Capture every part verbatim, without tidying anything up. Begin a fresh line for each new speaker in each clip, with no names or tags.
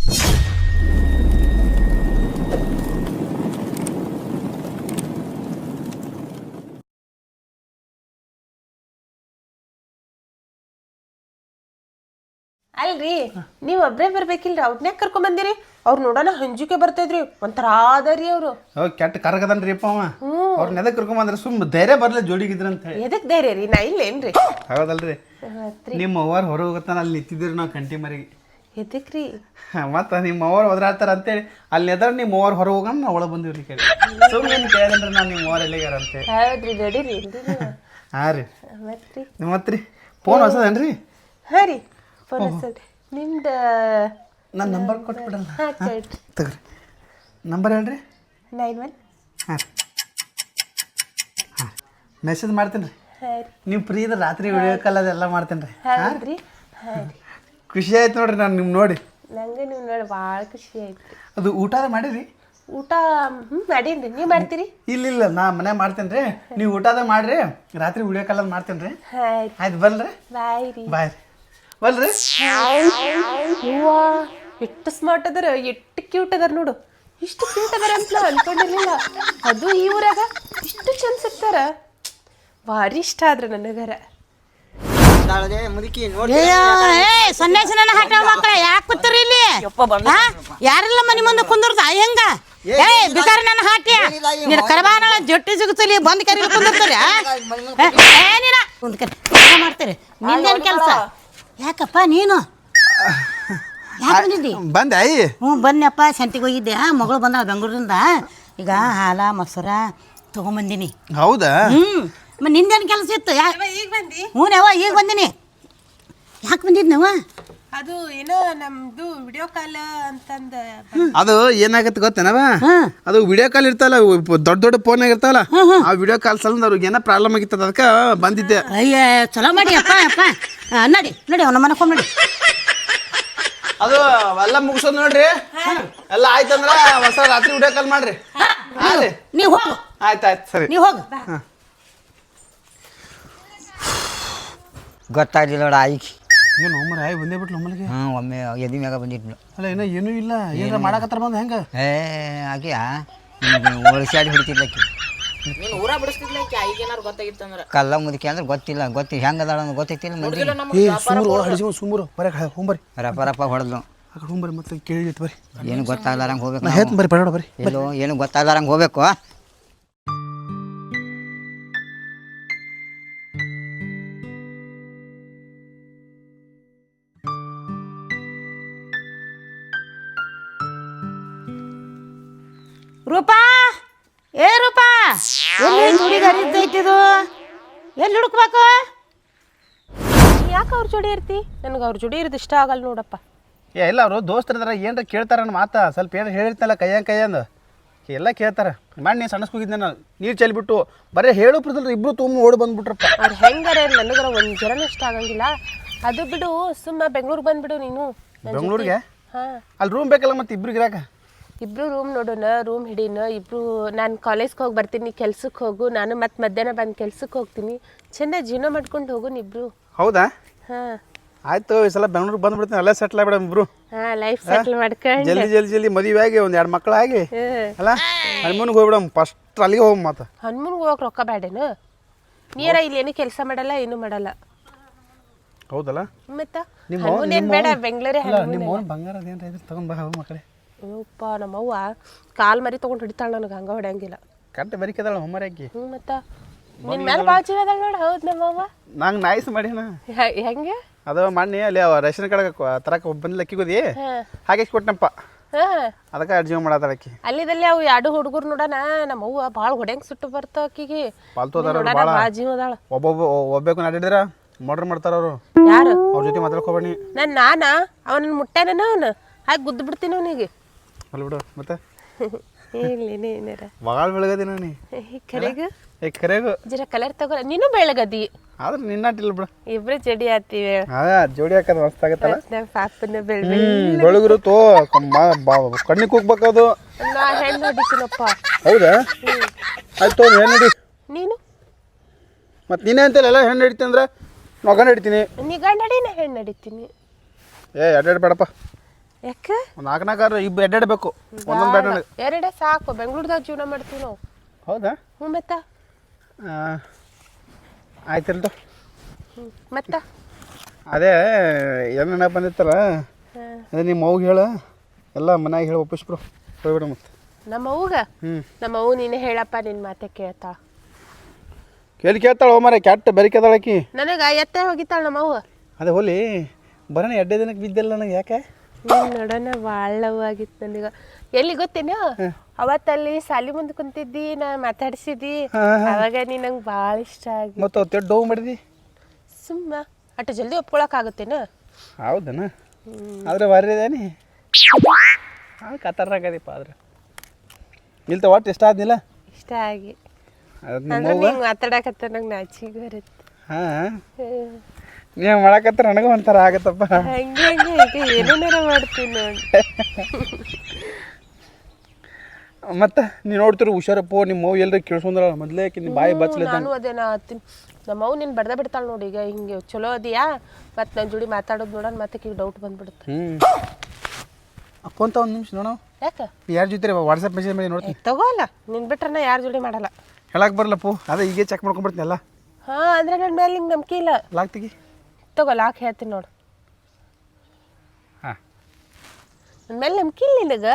ಅಲ್ರಿ ನೀವ್ ಒಬ್ರೇ ಬರ್ಬೇಕಿಲ್ರಿ ಅವ್ರನ್ನೇ ಕರ್ಕೊಂಡ್ ಬಂದಿರಿ ಅವ್ರು ನೋಡೋಣ ಹಂಜಿಕೆ ಬರ್ತೈದ್ರಿ ಒಂಥರ ಆದರಿ ಅವ್ರು
ಕೆಟ್ಟ ಕರಗದನ್ರಿ ಅಪ್ಪ ಅವ ಅವ್ರನ್ನ ಎದಕ್ ಕರ್ಕೊಂಡ್ ಬಂದ್ರೆ ಸುಮ್ ಧೈರ್ಯ ಬರ್ಲಿ ಜೋಡಿಗಿದ್ರ ಅಂತ ಹೇಳಿ
ಎದಕ್ ಧೈರ್ಯ ರೀ ನಾ ಇಲ್ಲೇನ್ರಿ
ಹೌದಲ್ರಿ ನಿಮ್ಮ ಅವ್ವಾರ ಹೊರ ಹೋಗತ್ತಾನ ಅಲ್ಲಿ ನಿಂತಿದ್ರಿ ನಾವು ಕಂಟಿ ಮರಿಗೆ
ಎದಕ್ರಿ
ಮತ್ತ ನಿಮ್ಮ ಅವ್ವಾರ ಹೋದ್ರಾಡ್ತಾರ ಅಂತೇಳಿ ಅಲ್ಲಿ ಎದ್ರ ನಿಮ್ಮ ಅವ್ವಾರ ಹೊರ ಹೋಗೋಣ ನಾವು ಒಳಗೆ ಬಂದಿವ್ರಿ ಕೇಳಿ ಸುಮ್ಮನೆ ಏನು ಕೇಳಿದ್ರೆ ನಾನು ನಿಮ್ಮ ಅವ್ವಾರ ಎಲ್ಲಿಗಾರ ಅಂತೇಳಿ
ಹೌದ್ರಿ ನಡೀರಿ
ಹಾಂ ರೀ
ಮತ್ರಿ
ಮತ್ರಿ ಫೋನ್ ಹೊಸದೇನ್ರಿ
ಹಾ ರೀ ಫೋನ್ ಹಚ್ಚಲ್ರಿ ನಿಮ್ದು
ನನ್ನ ನಂಬರ್ ಕೊಟ್ಬಿಡಲ್ಲ
ಹಾಂ ಕೇಳ್ರಿ
ತಗೋರಿ ನಂಬರ್ ಹೇಳ್ರಿ
ನೈನ್ ಒನ್
ಹಾಂ ಹಾಂ ಮೆಸೇಜ್ ಮಾಡ್ತೀನಿ ರೀ
ಹಾಂ ರೀ
ನೀವು ಫ್ರೀ ಇದ್ರೆ ರಾತ್ರಿ ವಿಡಿಯೋ ಕಾಲ್ ಅದೆಲ್ಲ ಮಾಡ್ತೇನೆ ರೀ
ಹೌದ್ರಿ ಹಾಂ ರೀ
ಖುಷಿ ಆಯ್ತು ನೋಡ್ರಿ ನಾನು ನಿಮ್ಮ ನೋಡಿ
ನಂಗೆ ನೀವು ನೋಡಿ ಭಾಳ ಖುಷಿ ಆಯ್ತು
ಅದು ಊಟ ಮಾಡಿರಿ
ಊಟ ಹ್ಞೂ ಮಾಡೀನಿ ನೀವು ಮಾಡ್ತೀರಿ
ಇಲ್ಲ ಇಲ್ಲ ನಾ ಮನೆ ಮಾಡ್ತೇನೆ ರೀ ನೀವು ಊಟದ ಮಾಡಿರಿ ರಾತ್ರಿ ವಿಡಿಯೋ ಕಾಲ್ ಅದು ಮಾಡ್ತೇನೆ ರೀ
ಆಯ್ತು
ಆಯ್ತು ಬಲ್ರಿ
ಬಾಯ್ ರೀ
ಬಾಯ್ ರೀ ಬಲ್ರಿ
ಹೂವ ಎಷ್ಟು ಸ್ಮಾರ್ಟ್ ಅದಾರ ಎಷ್ಟು ಕ್ಯೂಟ್ ಅದಾರ ನೋಡು ಇಷ್ಟು ಕ್ಯೂಟ್ ಅದಾರ ಅಂತ ಅನ್ಕೊಂಡಿರ್ಲಿಲ್ಲ ಅದು ಈ ಊರಾಗ ಇಷ್ಟು ಚಂದ ಸಿಗ್ತಾರ ಭಾರಿ ಇಷ್ಟ ಆದ್ರ ನನಗರ
ಸನ್ಯಾಸಿ ನನ್ನ ಹಾಟ ಮಕ್ಕಳ ಯಾಕೆ ಕೂತ್ರಿ ಇಲ್ಲಿ ಯಾರೆಲ್ಲ ಮನಿ ಮುಂದೆ ಕುಂದಿರ್ತ ಹೆಂಗ ಏ ಬಿಕಾರಿ ನನ್ನ ಹಾಟ್ಯ ನೀನು ಕರಬಾನ ಜೊಟ್ಟಿ ಸಿಗುತ್ತಲಿ ಬಂದ್ ಕರಿ ಕುಂದಿರ್ತಾರೆ ಏನಿಲ್ಲ ಕುಂದ್ ಕರಿ ಮಾಡ್ತೀರಿ ನಿಂದೇನು ಕೆಲಸ ಯಾಕಪ್ಪ ನೀನು ಯಾಕೆ ಬಂದಿದ್ದಿ
ಬಂದೆ ಅಯ್ಯ
ಹ್ಞೂ ಬನ್ನಪ್ಪ ಸಂತಿಗೆ ಹೋಗಿದ್ದೆ ಮಗಳು ಬಂದ ಬೆಂಗಳೂರಿಂದ ಈಗ ಹಾಲ ಮೊಸರ ತೊಗೊಂಬಂದಿನಿ
ಹೌದಾ
ಹ್ಞೂ ಮ ನಿಂದೇನು ಕೆಲಸ ಇತ್ತು ಯಾಕೆ
ಈಗ ಬಂದಿ
ಹ್ಞೂ ನವ ಈಗ ಬಂದಿನಿ ಯಾಕೆ ಬಂದಿದ್ನವ
ಅದು ಏನೋ ನಮ್ದು ವಿಡಿಯೋ ಕಾಲ್ ಅಂತಂದ
ಅದು ಏನಾಗತ್ತೆ ಗೊತ್ತೇನವ ಅದು ವಿಡಿಯೋ ಕಾಲ್ ಇರ್ತಲ್ಲ ದೊಡ್ಡ ದೊಡ್ಡ ಫೋನ್ ಇರ್ತಾವಲ್ಲ ಆ ವಿಡಿಯೋ ಕಾಲ್ ಸಲ ಅವ್ರಿಗೆ ಏನೋ ಪ್ರಾಬ್ಲಮ್ ಆಗಿತ್ತದ ಅದಕ್ಕೆ ಬಂದಿದ್ದೆ
ಅಯ್ಯ ಚಲೋ ಮಾಡಿ ಅಪ್ಪ ಅಪ್ಪ ನಡಿ ನಡಿ ಅವನ ಮನಕೊಂಡ್ ನಡಿ
ಅದು ಎಲ್ಲ ಮುಗಿಸೋದು ನೋಡ್ರಿ ಎಲ್ಲ ಆಯ್ತಂದ್ರ ಹೊಸ ರಾತ್ರಿ ವಿಡಿಯೋ ಕಾಲ್ ಮಾಡ್ರಿ ಹಾಂ ರೀ
ನೀವು ಹೋಗು
ಆಯ್ತು ಆಯ್ತು ಸರಿ
ನೀವು ಹೋಗು
ಗೊತ್ತಾಗ್ಲಿಲ್ಲ ನೋಡ ಆಯ್ಕೆ
ಏನು ಒಮ್ಮರೆ ಆಯ್ ಬಂದೇ ಬಿಟ್ಲು ಒಮ್ಮಲಿಗೆ
ಹ್ಞೂ ಒಮ್ಮೆ ಎದಿ ಮ್ಯಾಗ ಬಂದಿಟ್ಲು
ಅಲ್ಲ ಏನೋ ಏನೂ ಇಲ್ಲ ಏನಾರ ಮಾಡಕತ್ತಾರ ಬಂದು ಹೆಂಗೆ
ಏ ಆಕೆ ಒಳಸಾಡಿ ಹಿಡಿತಿದ್ಲಕ್ಕಿ
ನೀನು ಊರ ಬಿಡಿಸ್ತಿದ್ಲಕ್ಕೆ ಈಗ ಏನಾರು ಗೊತ್ತಾಗಿತ್ತಂದ್ರೆ
ಕಲ್ಲ ಮುದುಕಿ ಅಂದ್ರೆ ಗೊತ್ತಿಲ್ಲ ಗೊತ್ತಿ ಹೆಂಗೆ ಅದಾಳ ಅನ್ನೋದು ಗೊತ್ತೈತಿಲ್ಲ ಮಂದಿ
ಏ ಸುಮ್ರು ಹಡಿಸಿ ಸುಮ್ರು ಬರೀ ಹೋಗ್ಬರಿ
ರಪ್ಪ ರಪ್ಪ ಹೊಡೆದ್ಲು
ಆ ಕಡೆ ಹೋಗ್ಬರಿ ಮತ್ತೆ ಕೇಳಿ ಬರ್ರಿ
ಏನು ಗೊತ್ತಾಗ್ಲಾರಂಗೆ ಹೋಗ್ಬೇಕು
ನಾ ಹೇಳ್ತೀನಿ ಬರ್ರಿ ಬೇಡ ಬರ್ರಿ
ಎಲ್ಲೋ ಏನು ಗೊತ್ತಾಗ್ಲಾರಂಗೆ ಹೋಗ್ಬೇಕು
ರೂಪಾ ಏ ರೂಪಾ ಎಲ್ಲಿ ಹುಡುಗ ಹರಿದೈತಿದು ಎಲ್ಲಿ ಹುಡುಕ್ಬೇಕು
ಯಾಕೆ ಅವ್ರ ಜೋಡಿ ಇರ್ತಿ ನನಗೆ ಅವ್ರ ಜೋಡಿ ಇರೋದು ಇಷ್ಟ ಆಗಲ್ಲ ನೋಡಪ್ಪ
ಏ ಇಲ್ಲ ಅವರು ದೋಸ್ತರಿದಾರ ಏನ್ರ ಕೇಳ್ತಾರ ನನ್ನ ಮಾತಾ ಸ್ವಲ್ಪ ಏನು ಹೇಳಿರ್ತಲ್ಲ ಕೈಯಂಗೆ ಕೈಯಂದು ಎಲ್ಲ ಕೇಳ್ತಾರೆ ಮಾಡಿ ನೀನು ಸಣ್ಣಸ್ಕೋಗಿದ್ದೆ ನಾನು ನೀರು ಚೆಲ್ಬಿಟ್ಟು ಬರೀ ಹೇಳು ಪ್ರದಲ್ರಿ ಇಬ್ರು ತುಂಬ ಓಡಿ ಬಂದ್ಬಿಟ್ರಪ್ಪ
ಅವ್ರು ಹೆಂಗಾರ ನನಗರ ಒಂದು ಜರನೂ ಇಷ್ಟ ಆಗಂಗಿಲ್ಲ ಅದು ಬಿಡು ಸುಮ್ಮ ಬೆಂಗ್ಳೂರಿಗೆ ಬಂದ್ಬಿಡು ನೀನು
ಬೆಂಗಳೂರಿಗೆ
ಹಾಂ
ಅಲ್ಲಿ ರೂಮ್ ಬೇಕಲ್ಲ ಮತ್ತೆ ಇಬ್ರಿಗೆ ಇರಾಕ
ಇಬ್ರು ರೂಮ್ ನೋಡೋಣ ರೂಮ್ ಹಿಡೀನ ಇಬ್ರು ನಾನು ಕಾಲೇಜ್ಗೆ ಹೋಗಿ ಬರ್ತೀನಿ ಕೆಲ್ಸಕ್ಕೆ ಹೋಗು ನಾನು ಮತ್ತೆ ಮಧ್ಯಾಹ್ನ ಬಂದು ಕೆಲ್ಸಕ್ಕೆ ಹೋಗ್ತೀನಿ ಚೆಂದ ಜೀವನ ಮಾಡ್ಕೊಂಡು ಹೋಗೋಣ ಇಬ್ರು
ಹೌದಾ
ಹಾಂ
ಆಯ್ತು ಈ ಸಲ ಬೆಂಗಳೂರಿಗೆ ಬಂದ್ಬಿಡ್ತೀನಿ ಅಲ್ಲೇ ಸೆಟ್ಲ್ ಆಗ್ಬಿಡ ಇಬ್ರು
ಹಾಂ ಲೈಫ್ ಸೆಟ್ಲ್ ಮಾಡ್ಕೊಂಡು
ಜಲ್ದಿ ಜಲ್ದಿ ಜಲ್ದಿ ಮದುವೆ ಆಗಿ ಒಂದು ಎರಡು ಮಕ್ಕಳಾಗಿ ಅಲ್ಲ ಹನುಮನ್ಗೆ ಹೋಗ್ಬಿಡಮ್ ಫಸ್ಟ್ ಅಲ್ಲಿಗೆ ಹೋಗಿ ಮಾತು
ಹನುಮನ್ಗೆ ಹೋಗಕ್ಕೆ ರೊಕ್ಕ ಬೇಡೇನು ನೀರ ಇಲ್ಲಿ ಏನು ಕೆಲಸ ಮಾಡಲ್ಲ ಏನು ಮಾಡಲ್ಲ
ಹೌದಲ್ಲ
ಮತ್ತೆ ಹನುಮನ್ ಏನು ಬೇಡ ಬೆಂಗಳೂರೇ
ನಿಮ್ಮ ಅವ್ನು ಬಂಗಾರ ಅದೇನು ಇದ್ರೆ ತಗೊಂಡ್ ಬಾ ಹೋಗಿ ಮಕ್ಕಳೇ
ಅಯ್ಯಪ್ಪ ನಮ್ಮವ್ವ ಕಾಲು ಮರಿ ತೊಗೊಂಡು ಹಿಡಿತಾಳೆ ನನಗೆ ಹಂಗೆ ಹೊಡೆಯಂಗಿಲ್ಲ
ಕರೆಕ್ಟ್ ಬರಿಕದಾಳ ಹೊಮ್ಮರಾಕಿ
ಹ್ಞೂ ಮತ್ತೆ ನಿನ್ನ ಮೇಲೆ ಭಾಳ ಜೀವ ಅದಾಳ ನೋಡು ಹೌದು ನಮ್ಮವ್ವ
ನಂಗೆ ನಾಯ್ಸ್ ಮಾಡಿನ
ಹೆಂಗೆ
ಅದು ಮಣ್ಣಿ ಅಲ್ಲಿ ಅವ ರೇಷನ್ ಕಡೆ ತರಕ ಬಂದಿಲ್ಲ ಅಕ್ಕಿಗೋದಿ ಹಾಗೆ ಕೊಟ್ಟನಪ್ಪ
ಹಾಂ
ಅದಕ್ಕೆ ಅಡ್ಜೀವ ಮಾಡತ್ತಾಳ ಅಕ್ಕಿ
ಅಲ್ಲಿದಲ್ಲಿ ಅವು ಎರಡು ಹುಡುಗರು ನೋಡೋಣ ನಮ್ಮವ್ವ ಭಾಳ ಹೊಡೆಯಂಗೆ ಸುಟ್ಟು ಬರ್ತಾವ ಅಕ್ಕಿಗೆ
ಪಾಲ್ತು ಅದಾರ
ನೋಡೋಣ
ಭಾಳ
ಭಾಳ ಜೀವ ಅದಾಳ
ಒಬ್ಬೊಬ್ಬ ಒಬ್ಬೇಕು ನಡಿದ್ರ ಮರ್ಡರ್ ಮಾಡ್ತಾರ ಅವರು
ಯಾರು
ಅವ್ರ ಜೊತೆ ಮಾತಾಡ್ಕೋಬೇಡಿ
ನಾನು ನಾನಾ ಅವನನ್ನು ಮುಟ್ಟಾನ ಅವನು ಹಾಗೆ ಗುದ್ದು ಬಿಡ್ತೀನಿ ಅವನಿಗೆ
ಅಲ್ಲಿ ಬಿಡು ಮತ್ತೆ
ಇಲ್ಲಿ ಏನಾರ
ಭಾಳ ಬೆಳಗದಿನ ನೀ
ಕರೆಗ
ಏ ಕರೆಗು
ಜರ ಕಲರ್ ತಗೋ ನೀನು ಬೆಳಗದಿ
ಆದ್ರೆ ನಿನ್ನಾಟಿಲ್ಲ ಬಿಡು
ಇಬ್ರು ಜಡಿ ಆತೀವಿ
ಹಾ ಜೋಡಿ ಹಾಕದ್ ಮಸ್ತ್ ಆಗತ್ತಲ್ಲ
ನಮ್ಮ ಪಾಪನ ಬೆಳ
ಬೆಳಗುರು ತೋ ಕಣ್ಣಿಗೆ ಹೋಗ್ಬೇಕದು
ನಾ ಹೆಣ್ಣು ಹೊಡಿತೀನಪ್ಪ
ಹೌದಾ ಆಯ್ತು ಹೆಣ್ಣು ಹಿಡಿ
ನೀನು
ಮತ್ತೆ ನೀನೇ ಅಂತಲ್ಲ ಎಲ್ಲ ಹೆಣ್ಣು ಹಿಡಿತೀನಿ ಅಂದ್ರೆ ಮಗನ ಹಿಡಿತೀನಿ
ನೀ ಗಂಡ ನಡಿ ನಾ ಹೆಣ್ಣು ನಡಿತೀನಿ
ಏ ಎರಡು ಬೇಡಪ್ಪ
ಯಾಕೆ
ಒಂದು ನಾಲ್ಕು ನಾಲ್ಕಾರು ಇಬ್ಬರು ಎಡ್ಡಾಡಬೇಕು ಒಂದೊಂದು ಬೇಡ ನನಗೆ.
ಎರಡೇ ಸಾಕು ಬೆಂಗ್ಳೂರ್ದಾಗ ಜೀವನ ಮಾಡ್ತೀವಿ ನಾವು.
ಹೌದಾ?
ಹ್ಞೂ ಮತ್ತ
ಆಯ್ತಿಲ್ದು.
ಹ್ಞೂ ಮತ್ತ
ಅದೇ ಏನು ನೆನಪು ಬಂದಿತ್ತಲ್ಲ, ಅದೇ ನಿಮ್ಮ ಅವ್ಗೆ ಹೇಳ ಎಲ್ಲ ಮನ್ಯಾಗ ಹೇಳಿ ಒಪ್ಪಿಸ್ಬಿಡು ಹೋಗ್ಬಿಡ ಮತ್ತೆ.
ನಮ್ಮ ಅವ್ಗ
ಹ್ಞೂ
ನಮ್ಮ ಅವ್ವ ನೀನೇ ಹೇಳಪ್ಪ, ನಿನ್ನ ಮಾತೆ ಕೇಳ್ತಾ.
ಕೇಳಿ ಕೇಳ್ತಾಳೆ ಓ ಮಾರೆ, ಕೆಟ್ಟ ಬೆರಿಕೆದಾಳಕಿ.
ನನಗೆ ಎತ್ತೆ ಹೋಗಿತ್ತಾಳ ನಮ್ಮ ಅವ್ವ.
ಅದೇ ಹೋಲಿ ಬರೋಣ ಎಡ್ಡೆ ದಿನಕ್ಕೆ ಬಿದ್ದಿಲ್ಲ ನನಗೆ, ಯಾಕೆ?
ನೀನು ನೋಡೋಣ ಭಾಳ ಲವ್ ಆಗಿತ್ತು ನನಗೆ. ಎಲ್ಲಿ ಗೊತ್ತೇನ, ಅವತ್ತಲ್ಲಿ ಸಾಲಿ ಮುಂದೆ ಕುಂತಿದ್ದಿ, ನಾ ಮಾತಾಡ್ಸಿದ್ದಿ, ಅವಾಗ ನೀ ನಂಗೆ ಭಾಳ ಇಷ್ಟ ಆಗಿ.
ಮತ್ತು ತೆಡ್ ಡೋವು ಮಾಡಿದಿ
ಸುಮ್ಮ ಅಷ್ಟು ಜಲ್ದಿ ಒಪ್ಕೊಳಕ್ಕಾಗುತ್ತೇನ?
ಹೌದನ? ಆದ್ರೆ ಬಾರಿ ಇದೇನಿ ಹಾಂ ಕತರ್ನಾಗದಿಪ್ಪ. ಆದ್ರೆ ಇಲ್ತ ಒಟ್ಟು ಇಷ್ಟ ಆದ್ನಿಲ್ಲ
ಇಷ್ಟ ಆಗಿ.
ಅದು
ಅಂದ್ರೆ
ನಿಮ್ಮ
ನೀನು ಮಾತಾಡಕತ್ತ ನಂಗೆ ನಾಚಿಗೆ ಬರುತ್ತೆ.
ಹಾಂ ನೀವು ಮಾಡಕತ್ರ ನನಗೂ ಒಂಥರ ಆಗತ್ತಪ್ಪ.
ಹಂಗೆ ಹಂಗೆ ಈಗ ಏನೇನಾರ ಮಾಡ್ತೀನಿ ನೋಡಿ.
ಮತ್ತೆ ನೀನು ನೋಡ್ತಿರು ಹುಷಾರಪ್ಪ, ನಿಮ್ಮ ಮಗು ಎಲ್ಲರೂ ಕೇಳಿಸ್ಕೊಂಡ್ರ ಮೊದಲೇ ನಿಮ್ಮ ಬಾಯಿ ಬಚ್ಚಲಿದ್ದ.
ನಾನು ಅದೇನ ಹತ್ತೀನಿ ನಮ್ಮ ಅವು ನೀನು ಬಡ್ದ ಬಿಡ್ತಾಳೆ ನೋಡಿ. ಈಗ ಹಿಂಗೆ ಚಲೋ ಅದಿಯಾ ಮತ್ತು ನನ್ನ ಜೋಡಿ ಮಾತಾಡೋದು ನೋಡೋಣ, ಮತ್ತೆ ಈಗ ಡೌಟ್ ಬಂದ್ಬಿಡುತ್ತೆ.
ಹ್ಞೂ ಫೋನ್ ತ ಒಂದು ನಿಮಿಷ ನೋಡೋ.
ಯಾಕೆ
ಯಾರ ಜೊತೆ ವಾಟ್ಸಪ್ ಮೆಸೇಜ್ ಮಾಡಿ ನೋಡ್ತೀನಿ.
ತಗೋಲ್ಲ, ನಿನ್ನ ಬಿಟ್ರೆ ನಾ ಯಾರ ಜೋಡಿ ಮಾಡಲ್ಲ.
ಹೇಳಕ್ಕೆ ಬರಲ್ಲಪ್ಪು, ಅದೇ ಈಗೇ ಚೆಕ್ ಮಾಡ್ಕೊಂಡ್ಬಿಡ್ತೀನಿ ಎಲ್ಲ.
ಹಾಂ ಅಂದರೆ ನನ್ನ ಮೇಲೆ ನಿಂಗೆ ನಂಬಿಕೆ ಇಲ್ಲ.
ಲಾಕ್ ತೆಗಿ.
ತಗೋ ಲಾಕ್ ಹೇಳ್ತೀನಿ ನೋಡು.
ಹಾಂ
ನನ್ನ ಮೇಲೆ ನಂಬಿಕೆ ಇಲ್ಲ ನಿನಗೆ.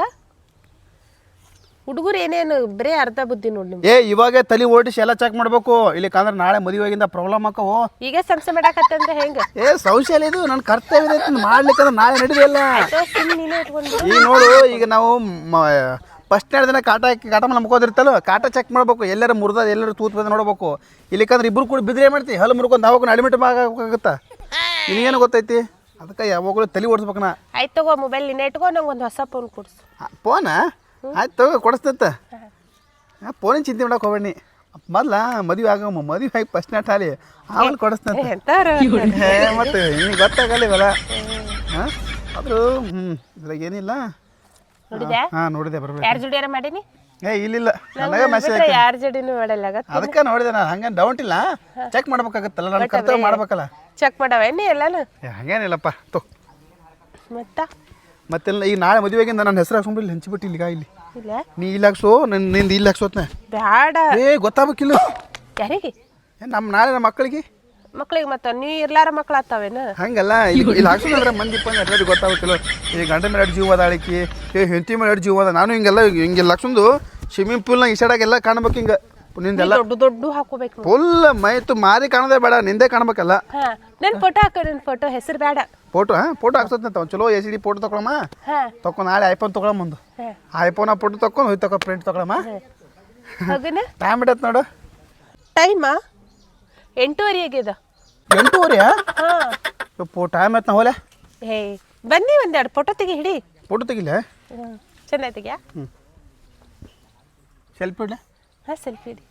ಹುಡುಗರು ಏನೇನು ಬರೀ ಅರ್ಧ ಬುದ್ಧಿ ನೋಡಿ ನಿಮ್ಗೆ.
ಏ ಇವಾಗ ತಲೆ ಓಡಿಸಿ ಎಲ್ಲ ಚೆಕ್ ಮಾಡ್ಬೇಕು, ಇಲ್ಲಿಕಂದ್ರೆ ನಾಳೆ ಮದುವೆಗಿಂದ ಪ್ರಾಬ್ಲಮ್ ಆಕವು.
ಈಗ ಸಂಸೆ ಮಾಡಾಕತ್ತಂದ್ರೆ ಹೆಂಗೆ?
ಏ ಶೌಚಾಲಯ ಇದು ನನ್ನ ಕರ್ತವ್ಯ ಐತಿ ಮಾಡ್ಲಿಕ್ಕಂದ್ರೆ ನಾಳೆ ನಡೆದಿಲ್ಲ.
ಸುಮ್ಮನೆ ನೀನೇ ಇಟ್ಕೊಂಡು
ಈಗ ನೋಡು, ಈಗ ನಾವು ಫಸ್ಟ್ ಎರಡು ದಿನ ಕಾಟ ಕಾಟ ಮೇಲೆ ನಂಬ್ಕೋದಿರ್ತಲ್ಲ, ಕಾಟ ಚೆಕ್ ಮಾಡ್ಬೇಕು, ಎಲ್ಲರೂ ಮುರಿದ ಎಲ್ಲರೂ ತೂತ್ ಬಂದು ನೋಡ್ಬೇಕು. ಇಲ್ಲಿಕಂದ್ರೆ ಇಬ್ರು ಕೂಡ ಬಿದ್ರೆ ಮಾಡ್ತಿ, ಹಲ್ಲು ಮುರ್ಕೊಂಡು ಹಾಕೊಂಡು ಅಡ್ಮಿಟ್ ಆಗೋಕ್ಕಾಗತ್ತಾ? ನಿನಗೇನು ಗೊತ್ತೈತಿ? ಅದಕ್ಕೆ ಯಾವಾಗಲೂ ತಲೆ ಓಡಿಸ್ಬೇಕು. ನಾ
ಆಯ್ತು ತಗೋ, ಮೊಬೈಲ್ ನಿನ್ನೆ ಇಟ್ಕೋ, ನಂಗೆ ಒಂದು ಹೊಸ ಫೋನ್ ಕೊಡ್ಸು.
ಫೋನ ಆಯ್ತು ತಗೋ, ಕೊಡಿಸ್ತಂತ. ಹಾಂ ಫೋನಿನ ಚಿಂತೆ ಮಾಡಕ್ಕೆ ಹೋಗ್ಬೇಡಿ. ಮೊದ್ಲ ಮದುವೆ ಆಗಮ್ಮ, ಮದುವೆ ಆಗಿ ಫಸ್ಟ್ ನಾಟ್ ಹಾಲಿ ಆಮೇಲೆ ಕೊಡಿಸ್ತಂತ.
ಎಂತಾರ
ಮತ್ತು ನಿನಗೆ ಗೊತ್ತಾಗಲ್ಲ ಇವೆಲ್ಲ. ಹಾಂ ಆದರೂ ಹ್ಞೂ ಇದ್ರಾಗ ಏನಿಲ್ಲ.
ನೋಡಿದ್ಯಾ?
ಹಾಂ ನೋಡಿದೆ ಬರಬೇಕು.
ಯಾರ ಜೋಡಿಯಾರ ಮಾಡೀನಿ?
ಏ ಇಲ್ಲಿಲ್ಲ, ನನಗೆ ಮೆಸೇಜ್.
ಯಾರ ಜೋಡಿನೂ ಮಾಡಲ್ಲ.
ಅದಕ್ಕೆ ನೋಡಿದೆ ನಾನು. ಹಂಗೆ ಡೌಟ್ ಇಲ್ಲ, ಚೆಕ್ ಮಾಡ್ಬೇಕಾಗತ್ತಲ್ಲ, ನನ್ನ ಕರ್ತವ್ಯ ಮಾಡ್ಬೇಕಲ್ಲ.
ಚೆಕ್ ಮಾಡವೇನಿ ಎಲ್ಲಾನು?
ಏ ಹಂಗೇನಿಲ್ಲಪ್ಪ ತೋ.
ಮತ್ತ
ಮತ್ತೆಲ್ಲ ಈಗ ನಾಳೆ ಮದುವೆಗಿಂದ ನನ್ನ ಹೆಸರು ಹಾಕ್ಸ್ಕೊಂಬಿಲ್ಲಿ ಹಂಚಿಬಿಟ್ಟು ಇಲ್ಲಿಗ ಇಲ್ಲಿ
ಇಲ್ಲ
ನೀ ಇಲ್ಲಿ ಹಾಕ್ಸೋ, ನನ್ನ ನಿಂದು ಇಲ್ಲಿ ಹಾಕ್ಸೋತ್ನ.
ಬ್ಯಾಡ.
ಏ ಗೊತ್ತಾಗಬೇಕಿಲ್ಲ
ಯಾರಿಗೆ?
ಏ ನಮ್ಮ ನಾಳೆ ನಮ್ಮ ಮಕ್ಕಳಿಗೆ
ಮಕ್ಳಿಗೆ ಮತ್ತ ನೀ ಇರ್ಲಾರ ಮಕ್ಳು ಆತಾವೇನ?
ಹಂಗಲ್ಲ, ಇಲ್ಲಿ ಇಲ್ಲಿ ಹಾಕ್ಸೋದಂದ್ರೆ ಮಂದಿ ಪಂದು ಎಲ್ಲರಿಗೂ ಗೊತ್ತಾಗಬೇಕಿಲ್ಲ. ಈ ಗಂಡ ಮೇಲೆ ಎರಡು ಜೀವ ಅದ ಆಳಿಕೆ, ಏ ಹೆಂಡತಿ ಮೇಲೆ ಎರಡು ಜೀವ ಅದ. ನಾನು ಹಿಂಗೆಲ್ಲ ಹಿಂಗೆಲ್ಲ ಹಾಕ್ಸೊಂದು ಸ್ವಿಮ್ಮಿಂಗ್ ಪೂಲ್ನಾಗ ಈಸಾಡಾಗೆಲ್ಲ ಕಾಣ್ಬೇಕು. ಹಿಂಗೆ ನಿಂದೆಲ್ಲ
ದೊಡ್ಡ ದೊಡ್ಡ ಹಾಕೋಬೇಕು.
ಫುಲ್ ಮೈತು ಮಾರಿ ಕಾಣೋದೇ ಬೇಡ, ನಿಂದೇ ಕಾಣ್ಬೇಕಲ್ಲ.
ಹಾ ನನ್ನ ಫೋಟೋ ಹಾಕ, ನನ್ನ ಫೋಟೋ ಹೆಸರು ಬೇಡ.
ಫೋಟೋ ಹಾಂ ಫೋಟೋ ಹಾಕ್ಸೋದಂತ ಒಂದು ಚಲೋ ಎಸ್ ಡಿ ಫೋಟೋ ತೊಗೊಳಮ್ಮ.
ಹಾಂ
ತೊಗೊಂಡು ನಾಳೆ ಐಫೋನ್ ತೊಗೊಳಮ್ಮ. ಒಂದು ಐಫೋನ್ ಫೋಟೋ ತೊಗೊಂಡು ಹೋಗಿ ತಗೋ ಪ್ರಿಂಟ್ ತೊಗೊಳಮ್ಮ.
ಹೋಗನ
ಟೈಮ್ ಬಿಡತ್ತೆ ನೋಡು.
ಟೈಮಾ ಎಂಟೂವರೆ ಆಗ್ಯದ.
ಎಂಟೂವರೆ?
ಹಾಂ
ಫೋ ಟೈಮ್ ಆಯ್ತು ನಾ ಹೋಲೆ.
ಹೇ ಬನ್ನಿ ಒಂದೆರಡು ಫೋಟೋ ತೆಗಿ ಹಿಡಿ.
ಫೋಟೋ ತೆಗಿಲ್ಲ?
ಹ್ಞೂ ಚೆನ್ನ ತೆಗಿಯಾ?
ಹ್ಞೂ ಸೆಲ್ಫಿ ಇಡ್ಲ?
ಹಾಂ ಸೆಲ್ಫಿ ಹಿಡಿ.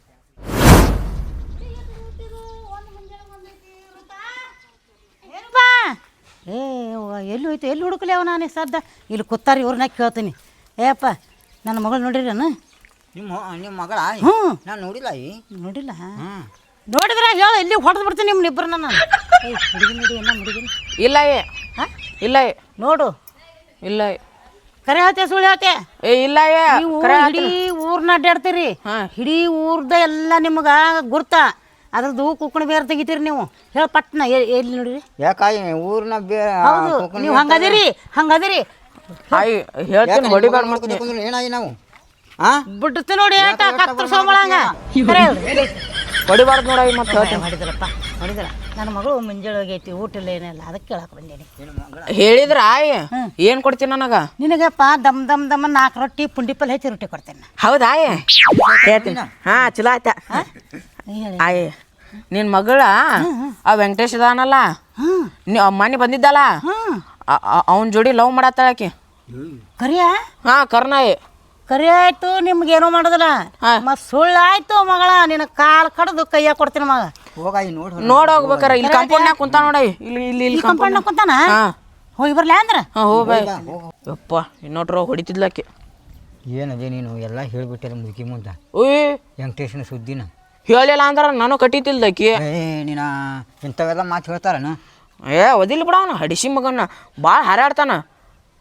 ಬಾ ಏ ಎಲ್ಲಿ ಹೋಯ್ತು, ಎಲ್ಲಿ ಹುಡುಕ್ಲಿ ಅವ ನಾನು ಸದ್ದ ಇಲ್ಲಿ ಕೂತಾರ ಇವ್ರನ್ನ ಕೇಳ್ತೀನಿ. ಏಪ್ಪ ನನ್ನ ಮಗಳು ನೋಡಿರೇನು?
ನಿಮ್ಮ ನಿಮ್ಮ ಮಗಳ?
ಹ್ಞೂ
ನಾನು ನೋಡಿಲ್ಲ. ಈ
ನೋಡಿಲ್ಲ? ನೋಡಿದ್ರೆ ಹೇಳ, ಇಲ್ಲಿ ಹೊಡೆದು ಬಿಡ್ತೀನಿ ನಿಮ್ಮನ್ನ ಇಬ್ಬರನ್ನ ನಾನು. ಏಯ್ ಹುಡುಗಿ ನೋಡಿ ಎಲ್ಲ ಹುಡುಗಿನ
ಇಲ್ಲ ಏ
ಹಾಂ
ಇಲ್ಲ ಏ
ನೋಡು.
ಇಲ್ಲ ಏ
ಕರೆ ಹೇಳ್ತೆ ಸುಳ್ಳು ಹೇಳ್ತೆ?
ಏ ಇಲ್ಲ ಏ
ನೀವು ಇಡೀ ಊರ್ನ ಅಡ್ಡಾಡ್ತೀರಿ. ಇಡೀ ಊರ್ದ ಎಲ್ಲ ನಿಮ್ಗೆ ಗುರ್ತ, ಅದ್ರದ್ದು ಕುಕ್ಕಣ ಬೇರೆ ತೆಗಿತೀರಿ ನೀವು. ಹೇಳ ಪಟ್ನ ಎಲ್ಲಿ ನೋಡಿರಿ?
ಯಾಕಾಯಿ ಊರ್ನ ಬೇ
ಹೌದು ನೀವು ಹಂಗದಿರಿ ಹಂಗದಿರಿ.
ಆಯ್ ಹೇಳ್ತೀನಿ ಹೊಡಿಬಾರ್ದು ಮಾಡ್ತೀನಿ.
ಏನಾಗಿ ನಾವು ಹಾಂ
ಬಿಡ್ತು ನೋಡಿ ಹೇಳ್ತಾ ಕತ್ರ ಸೋಮಳಂಗ
ಹೊಡಿಬಾರ್ದು ನೋಡಾಯಿ ಮತ್ತೆ ಹೇಳ್ತೀನಿ.
ಹೊಡಿದ್ರಪ್ಪ ಹೊಡಿದ್ರ. ನನ್ನ ಮಗಳು ಮುಂಜಾನೆ ಹೋಗೈತಿ, ಊಟ ಇಲ್ಲ ಏನಿಲ್ಲ, ಅದಕ್ಕೆ ಕೇಳಕ್ಕೆ ಬಂದೇನಿ.
ಹೇಳಿದ್ರ ಆಯ್ ಏನ್ ಕೊಡ್ತೀನಿ ನನಗ?
ನಿನಗಪ್ಪ ದಮ್ ದಮ್ ದಮ್ ನಾಲ್ಕು ರೊಟ್ಟಿ ಪುಂಡಿ ಪಲ್ಲೆ ಹೆಚ್ಚಿ ರೊಟ್ಟಿ ಕೊಡ್ತೇನೆ.
ಹೌದಾ ಆಯ್ ಹೇಳ್ತೀನಿ. ಹಾ ಚಲೋ ಆಯ್ತಾ ಆಯ್. ನಿನ್ ಮಗಳ ಆ ವೆಂಕಟೇಶ್ ಅದಾನಲ್ಲ, ಮನೆ ಬಂದಿದ್ದಲ್ಲ, ಅವನ ಜೋಡಿ ಲವ್ ಮಾಡತ್ತಾಳಕಿ.
ಕರಿಯ?
ಹಾ ಕರ್ನಾಯಿ
ಕರಿ ಆಯ್ತು, ನಿಮ್ಗೇನೋ ಮಾಡೋದಿಲ್ಲ. ಮತ್ ಸುಳ್ಳು ಆಯ್ತು ಮಗಳ, ನಿನ್ನ ಕಾಲ್ ಕಡ್ದು ಕೈಯಾಗ ಕೊಡ್ತೀನಿ ಮಗ.
ಹೋಗಾಯಿ ನೋಡಿ
ನೋಡ್ ಹೋಗ್ಬೇಕಾರ. ಇಲ್ಲಿ ಕಂಪೌಂಡ್ನಾಗ ಕುಂತ ನೋಡ, ಇಲ್ಲಿ ಇಲ್ಲಿ ಇಲ್ಲಿ
ಕಂಪೌಂಡ್ ಕುಂತಾನ. ಹೋಗಿ ಬರ್ಲಾ ಅಂದ್ರ?
ಹಾ ಹೋಗ್ಬಾಯ್. ಯಪ್ಪ ಇನ್ನೊಟ್ರ ಹೊಡಿತಿದ್ಲಕ್ಕೆ.
ಏನದೇ ನೀನು ಎಲ್ಲ ಹೇಳ್ಬಿಟ್ಟಲ್ಲ ಮುದುಕಿ ಮುಂದೆ.
ಓಯ್
ವೆಂಕಟೇಶನ ಸುದ್ದಿನ
ಹೇಳಿಲ್ಲ ಅಂದ್ರ ನಾನು ಕಟ್ಟಿತಿಲ್ದಕ್ಕಿ.
ಏ ನೀನ ಇಂಥವೆಲ್ಲ ಮಾತು ಹೇಳ್ತಾರನ?
ಏ ಒದಿಲ್ ಬಿಡ ಅವನು ಹಡಿಸಿ ಮಗನ ಭಾಳ ಹಾರಾಡ್ತಾನ.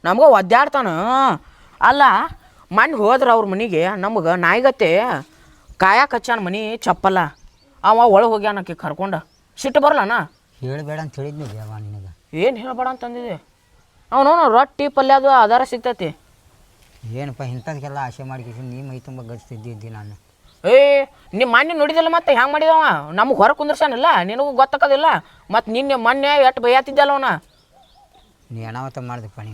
ನಮ್ಗೆ ಒದ್ದಾಡ್ತಾನ. ಅಲ್ಲ ಮಣ್ಣು ಹೋದ್ರೆ ಅವ್ರ ಮನೆಗೆ ನಮ್ಗೆ ನಾಯಿಗತ್ತೆ ಕಾಯಕ್ಕೆ ಹಚ್ಚಾನ ಮನೆ ಚಪ್ಪಲ್ಲ. ಅವ ಒಳಗೆ ಹೋಗ್ಯಾನಕ್ಕೆ ಕರ್ಕೊಂಡು ಸಿಟ್ಟು ಬರಲ್ಲನ.
ಹೇಳಬೇಡ ಅಂತ ಹೇಳಿದ್ನಿ ಅವ ನಿನಗೆ.
ಏನು ಹೇಳ್ಬೇಡ ಅಂತಂದಿದೆ ಅವನು. ರೊಟ್ಟಿ ಪಲ್ಯ ಅದು ಆಧಾರ ಸಿಗ್ತೈತಿ.
ಏನಪ್ಪ ಇಂಥದಕ್ಕೆಲ್ಲ ಆಸೆ ಮಾಡಿ ನೀ ಮೈ ತುಂಬ ಗಡಿಸ್ತಿದ್ದಿ ನಾನು.
ಏ ನಿಮ್ಮ ಮಣ್ಣು ನೋಡಿದಿಲ್ಲ ಮತ್ತೆ ಹೆಂಗೆ ಮಾಡಿದವ ನಮಗೆ ಹೊರ ಕುಂದ್ರಸಾನಿಲ್ಲ. ನಿನಗೂ ಗೊತ್ತಾಕೋದಿಲ್ಲ. ಮತ್ತು ನಿನ್ನೆ ಮೊನ್ನೆ ಎಷ್ಟು ಬೈಯಾತಿದ್ದಲ್ಲ ಅವನ.
ನೀ ಅನಾಹುತ ಮಾಡಿದಪ್ಪ ನೀ.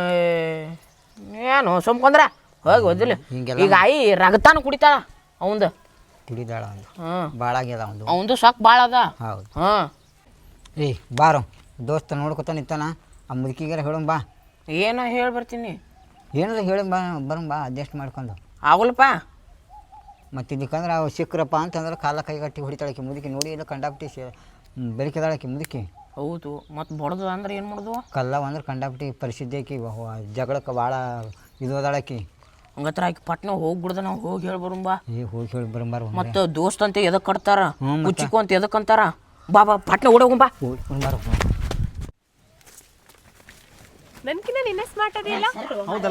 ಏನು ಸುಮ್ಕೊಂದ್ರ ಹೋಗಿ ಓದಿಲ್ಲ. ಈಗ ಆಯಿ ರಗತಾನ ಕುಡಿತಾಳ ಅವಂದು.
ಕುಡಿದಾಳ ಒಂದು
ಹಾಂ
ಭಾಳ ಆಗ್ಯದ ಒಂದು.
ಅವಂದು ಸಾಕು ಭಾಳ ಅದ.
ಹೌದು.
ಹಾಂ
ಏಯ್ ಬಾರೋ ದೋಸ್ತ ನೋಡ್ಕೊತ ನಿಂತಾನ. ಆ ಮುದುಕಿಗಾರ ಹೇಳೋಣ ಬಾ.
ಏನೋ ಹೇಳಿ ಬರ್ತೀನಿ.
ಏನಾರ ಹೇಳಿ ಬಾ ಬರೋಣ ಬಾ ಅಡ್ಜಸ್ಟ್ ಮಾಡ್ಕೊಂಡು.
ಆಗಲ್ಲಪ್ಪ.
ಮತ್ತು ಇದಕ್ಕಂದ್ರೆ ಅವು ಸಿಕ್ಕರಪ್ಪ ಅಂತಂದ್ರೆ ಕಾಲ ಕೈಗಟ್ಟಿ ಹೊಡಿತಾಳಕ್ಕೆ ಮುದುಕಿ ನೋಡಿ ಇಲ್ಲ ಕಂಡಾಪಟ್ಟಿ ಸಿ ಬೆಳಕಿದಾಳಕ್ಕೆ ಮುದುಕಿ.
ಹೌದು ಮತ್ತು ಬಡ್ದು ಅಂದ್ರೆ ಏನು ಮಾಡೋದು.
ಕಲ್ಲವ ಅಂದ್ರೆ ಕಂಡಾಪಟ್ಟಿ ಪರಿಸ್ಥಿತಿ ಆಕಿ ಜಗಳಕ್ಕೆ ಭಾಳ ಇದು ಅದಾಳಕಿ.
ಹಂಗತ್ರ ಆಕಿ ಪಟ್ನ ಹೋಗ್ಬಿಡ್ದ ನಾವು ಹೋಗಿ ಹೇಳಿ ಬರುಂಬಾ.
ಏ ಹೋಗಿ ಹೇಳಿ ಬರಂಬಾರ.
ಮತ್ತು ದೋಸ್ತ ಅಂತ ಎದಕ್ಕೆ ಕಟ್ತಾರ
ಹ್ಞೂ ಮತ್ತೆ.
ಕುಚ್ಚಿಕು ಅಂತ ಎದಕ್ಕೆ ಅಂತಾರ. ಬಾ ಬಾ ಪಟ್ನ ಓಡೋಗುಂಬಾ.
ಹೋಗಿ ಬರಂಬಾರ.
ನನ್ಕಿನ್ನ ನಿನ್ನೆ ಸ್ಮಾರ್ಟ್ ಅದಿಲ್ಲ.
ಹೌದಲ್ಲ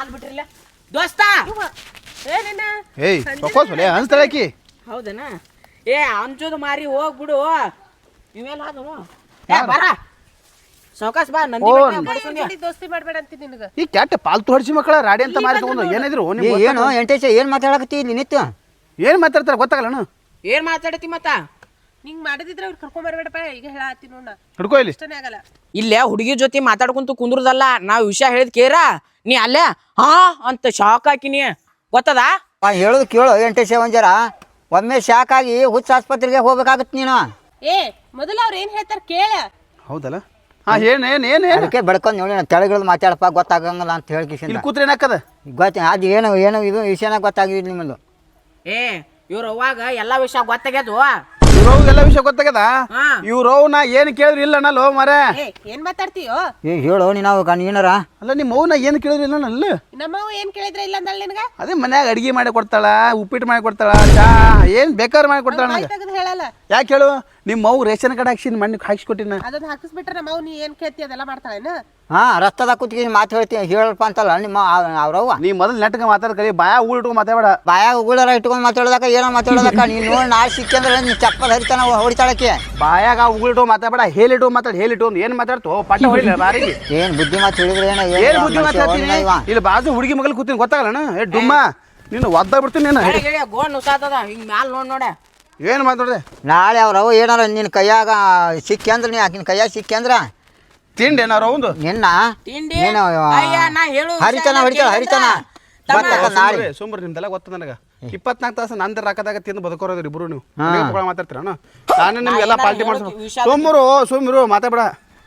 ದೋಸ್ತ
ಏನೇನ
ಏಯ್ ಸೊಕೋಸಲೆ ಅನ್ಸ್ತಾಳಕಿ.
ಹೌದನ. ಏ ಅಂಜೋದು ಮಾರಿ ಹೋಗ್ಬಿಡು. ಇವೆಲ್ಲ ಆದವ. ಏ ಬರ ಸೌಕಾಸ್ ಬಾ. ನಂದಿ
ಓ,
ಬೆಟ್ಟ ಬಡ್ಸೋಣ್ಯ.
ಜೋಡಿ ದೋಸ್ತಿ ಮಾಡ್ಬೇಡ ಅಂತೀನಿ ನಿನಗ.
ಈ ಕ್ಯಾಟ್ ಪಾಲ್ತು ಹೊಡ್ಸಿ ಮಕ್ಕಳ ರಾಡಿ ಅಂತ ಮಾರಿ ತಗೊಂಡು ಏನಿದ್ರು
ಏ ಏನು ಎಂಟೇಶ ಏನು ಮಾತಾಡಕತ್ತಿ ಇಲ್ಲಿ ನಿತ್ಯ?
ಏನು ಮಾತಾಡ್ತಾರೆ ಗೊತ್ತಾಗಲ್ಲಣ್ಣ.
ಏನ್ ಮಾತಾಡತಿ ಮತ್ತ?
ನಿಂಗ್ ಮಾಡದಿದ್ರೆ ಅವ್ರು ಕರ್ಕೊಂಡ್ ಬರ್ಬೇಡಪ್ಪ. ಈಗ ಹೇಳತ್ತಿ ನೋಡ
ಹಿಡ್ಕೋ ಇಲ್ಲಿ.
ಇಷ್ಟನೇ ಆಗಲ್ಲ.
ಇಲ್ಲೇ ಹುಡುಗಿ ಜೊತೆ ಮಾತಾಡ್ಕೊಂತ ಕುಂದ್ರದಲ್ಲ. ನಾವು ವಿಷಯ ಹೇಳಿದ್ ಕೇರ ನೀ ಅಲ್ಲೇ ಹಾ ಅಂತ ಶಾಕ್ ಹಾಕಿನಿ ಗೊತ್ತದ.
ಹೇಳೋದು ಕೇಳು ಎಂಟೇಶ ಒಂಜರ. ಒಮ್ಮೆ ಶಾಕ್ ಆಗಿ ಹುಚ್ಚ ಆಸ್ಪತ್ರೆಗೆ ಹೋಗ್ಬೇಕಾಗತ್ತೆ ನೀನು.
ಏ ಮೊದಲ ಅವ್ರ ಏನ್ ಹೇಳ್ತಾರ ಕೇಳ.
ಹೌದಲ್ಲ. ಹಾ ಏನು ಏನು ಏನು ಏನು
ಅದಕ್ಕೆ ಬೆಳ್ಕೊಂಡು ನೋಡಿ ನಾನು ತೆಳಗಿಳಿದು ಮಾತಾಡಪ್ಪ ಗೊತ್ತಾಗಂಗಿಲ್ಲ ಅಂತ ಹೇಳಿ ಕಿಶಿಂದ
ಇಲ್ಲಿ ಕೂತ್ರೆ ಏನಾಕದ.
ಗೊತ್ತ ಅದು ಏನು ಏನು ಇದು ವಿಷಯನಾಗ ಗೊತ್ತಾಗಿದ್ದು ನಿಮ್ಮದು.
ಏ ಇವ್ರ ಅವಾಗ ಎಲ್ಲಾ ವಿಷಯ ಗೊತ್ತಾಗ್ಯದು.
ಇವ್ರವ್ಗೆಲ್ಲ ವಿಷಯ ಗೊತ್ತಾಗದ.
ಹಾ.
ಇವ್ರವ್ ನಾ ಏನು ಕೇಳಿದ್ರು ಇಲ್ಲ ಅನ್ನಲ್ಲ ಮರ.
ಏ ಏನ್ ಮಾತಾಡ್ತೀಯೋ?
ಏ ಹೇಳು ನೀನು ಗಣ ಏನಾರ.
ಅಲ್ಲ ನಿಮ್ಮ ಅವ್ನ ಏನು ಕೇಳಿದ್ರು ಇಲ್ಲ ಅಲ್ಲ.
ನಮ್ಮವ್ ಏನ್ ಕೇಳಿದ್ರ ಇಲ್ಲ ಅಂದಳ ನಿನಗ.
ಅದೇ ಮನ್ಯಾಗ ಅಡಿಗೆ ಮಾಡಿ ಕೊಡ್ತಾಳ, ಉಪ್ಪಿಟ್ಟು ಮಾಡಿ ಕೊಡ್ತಾಳ, ಚಾ ಏನು ಬೇಕಾದ್ರೆ ಮಾಡಿ ಕೊಡ್ತಾಳ ನನಗೆ.
ತೆಗೆದು ಹೇಳಲ್ಲ.
ಯಾಕೆ ಹೇಳು ನಿಮ್ಮ ಅವ್ವ ರೇಷನ್ ಕಾರ್ಡ್ ಹಾಕ್ಸಿ ಮಣ್ಣಿಗೆ ಹಾಕ್ಸಿಕೊಟ್ಟಿನ.
ಅದನ್ನ ಹಾಕಿಸ್ಬಿಟ್ರೆ ನಮ್ಮವ್ ನೀ ಏನ್ ಕೇಳ್ತಿ ಅದೆಲ್ಲ ಮಾಡ್ತಾಳೇನ.
ಹಾ ರಸ್ತದಾಗ ಕೂತ್ಕೊಂಡು ಮಾತು ಹೇಳ್ತೀನಿ ಹೇಳಪ್ಪ ಅಂತಲ್ಲ ನಿಮ್ಮ ಅವ್ರವ್ವ.
ನೀ ಮೊದಲು ನೆಟ್ಗೆ ಮಾತಾಡ ಕಲಿ ಬಾಯ ಊರು ಇಟ್ಕೊಂಡು ಮಾತಾಡ.
ಬಾಯಾಗ ಉಗುಳರ ಇಟ್ಕೊಂಡು ಮಾತಾಡೋದಕ್ಕ ಏನೋ ಮಾತಾಡೋದಕ್ಕ ನೀನು ನೋಡಿ ನಾಳೆ ಸಿಕ್ಕಂದ್ರೆ ನೀನು ಚಪ್ಪಲ್ ಹರಿತಾನ ಹೊಡಿತಾಳಕ್ಕೆ.
ಬಾಯಾಗ ಉಗುಳಿಟ್ಟು ಮಾತಾಡ ಹೇಳಿಟ್ಟು ಮಾತಾಡ ಹೇಳಿಟ್ಟು ಏನು ಮಾತಾಡ್ತು ಪಟ್ಟ ಹೊಡಿಲ್ಲ ಬಾರಿಗೆ.
ಏನು ಬುದ್ಧಿ ಮಾತು ಹೇಳಿದ್ರೆ ಏನೋ
ಏನು ಬುದ್ಧಿ ಮಾತಾಡ್ತೀನಿ. ಇಲ್ಲಿ ಬಾಜು ಹುಡುಗಿ ಮಗಲ್ ಕೂತೀನಿ ಗೊತ್ತಾಗಲ್ಲಣ್ಣ. ಏ ಡುಮ್ಮ ನೀನು ಒದ್ದ ಬಿಡ್ತೀನಿ ನೀನು.
ಗೋಣ್ ನುಸಾತದ ಹಿಂಗ್ ಮ್ಯಾಲ ನೋಡ್ ನೋಡ.
ಏನು ಮಾತಾಡ್ದೆ.
ನಾಳೆ ಅವ್ರವ್ವ ಏನಾರ ನಿನ್ನ ಕೈಯಾಗ ಸಿಕ್ಕಿ ಅಂದ್ರೆ ನೀ ಆಕಿನ ಕೈಯಾಗ ಸಿಕ್ಕಿ ಅಂದ್ರೆ
ತಿಂಡಿ ಏನಾರ ಒಂದು
ನಿನ್ನ
ತಿಂಡಿ
ನೀನು
ಅಯ್ಯ ನಾ ಹೇಳು
ಹರಿತಾನ ಹೊಡಿತಾಳ ಹರಿತಾನ ನಾಳೆ
ಸುಮ್ರಿ ನಿಮ್ದೆಲ್ಲ ಗೊತ್ತ ನನಗೆ. ಇಪ್ಪತ್ನಾಲ್ಕು ತಾಸು ನಂತರ ರಾಕದಾಗ ತಿಂದು ಬದುಕೋರೋದ್ರಿ ಇಬ್ರು ನೀವು ಮಾತಾಡ್ತೀರ. ನಾನು ನಿಮ್ಗೆಲ್ಲ ಪಾಲ್ಟಿ ಮಾಡ್ಸೋ ಸೋಮರು ಸೋಮರು ಮಾತಾಡ.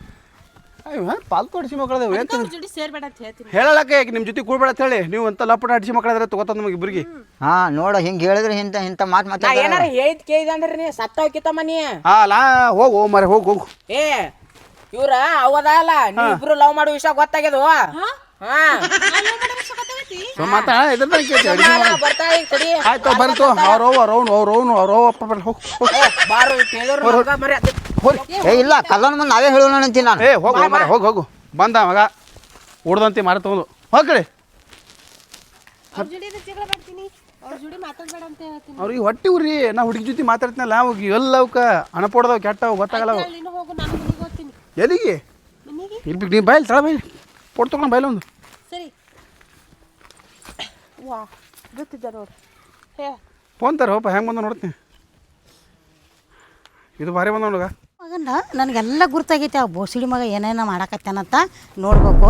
ಪಾಲ್ತು ಹಡಿಸಿ ಮಕ್ಕಳದೇವು ಏನು
ಜೋಡಿ ಸೇರ್ಬೇಡ ಅಂತ ಹೇಳ್ತೀನಿ.
ಹೇಳಕ್ಕೆ ನಿಮ್ಮ ಜೊತೆ ಕೂಡ್ಬೇಡ ಅಂತ ಹೇಳಿ ನೀವು ಅಂತ ಲಪಟ ಹಡಿಸಿ ಮಕ್ಕಳಾದ್ರೆ ತಗೋತ ನಮಗೆ ಇಬ್ಬರಿಗೆ.
ಹಾ ನೋಡ ಹಿಂಗೆ ಹೇಳಿದ್ರೆ ಇಂಥ ಇಂಥ ಮಾತು
ನಾ
ಮಾತಾಡ
ಏನಾರ ಹೇಳಿದ್ ಕೇಳಿದ ಅಂದ್ರೆ ನೀ ಸತ್ತ ಹೋಗಿತ್ತಮ್ಮ ನೀ.
ಹಾ ಲಾ ಹೋಗು ಮರೆ ಹೋಗು ಹೋಗು.
ಏ ಇವ್ರ ಅವದ ಅಲ್ಲ ನೀ ಇಬ್ರು ಲವ್ ಮಾಡೋ ವಿಷಯ ಗೊತ್ತಾಗ್ಯದು. ಹಾ
ಮಾತಾಡ ಇದ್ರ
ಬರ್ತಾ ಈಗ ತಡಿ.
ಆಯ್ತು ಬರ್ತು ಅವ್ರವ್ ಅವ್ರವ್ನು ಅವ್ರವ್ನು ಅವ್ರವ್ ಅಪ್ಪ ಬರ್ಲಿ ಹೋಗು ಹೋಗು.
ಏ, ಬಾರು ಕೇಳಿದ್ರು ಮರಿ
ಹೋರಿ
ಏ ಇಲ್ಲ ಕಲ್ಲನ ಮುಂದೆ ನಾವೇ ಹೇಳೋಣ ಅಂತೀನಿ ನಾನು.
ಏ ಹೋಗು ಮರ ಹೋಗು ಹೋಗು ಬಂದ ಮಗ ಉಡ್ದಂತೆ ಮಾರ ತಗೊಂಡು ಹೋಗ್ ಕಡೆ.
ಅವ್ರ ಜೋಡಿ ಜಗಳ ಮಾಡ್ತೀನಿ. ಅವ್ರ ಜೋಡಿ ಮಾತಾಡ್ಬೇಡ ಅಂತ ಹೇಳ್ತೀನಿ.
ಅವ್ರಿಗೆ ಹೊಟ್ಟಿ ಉರಿ ನಾ ಹುಡುಗಿ ಜೊತೆ ಮಾತಾಡ್ತೀನಲ್ಲ ಅವಾಗ ಎಲ್ಲ ಅವಕ್ಕ ಅಣಪೊಡ್ದವ್ ಕೆಟ್ಟವು ಗೊತ್ತಾಗಲ್ಲ ಅವು.
ನೀನು ಹೋಗು ನಾನು ಮನೆಗೆ ಹೋಗ್ತೀನಿ.
ಎಲ್ಲಿಗೆ
ಮನೆಗೆ
ಇಲ್ಲಿ ನೀ ಬಯಲು ತಳ ಬೈಲಿ ಪೊಡ್ ತಗೊಂಡು ಬಯಲು ಒಂದು.
ಸರಿ. ವಾ ಗೊತ್ತಿದ್ದ ನೋಡು. ಹೇ
ಫೋನ್ ತರ ಹೋಪ ಹೆಂಗೆ ಬಂದ ನೋಡ್ತೀನಿ. ಇದು ಭಾರಿ ಬಂದ ನೋಡುಗ.
ಮಗನ ನನಗೆಲ್ಲ ಗುರ್ತಾಗೈತೆ ಆ ಬೋಸಿಡಿ ಮಗ ಏನೇನೋ ಮಾಡಕತ್ತಾನಂತ ನೋಡ್ಬೇಕು.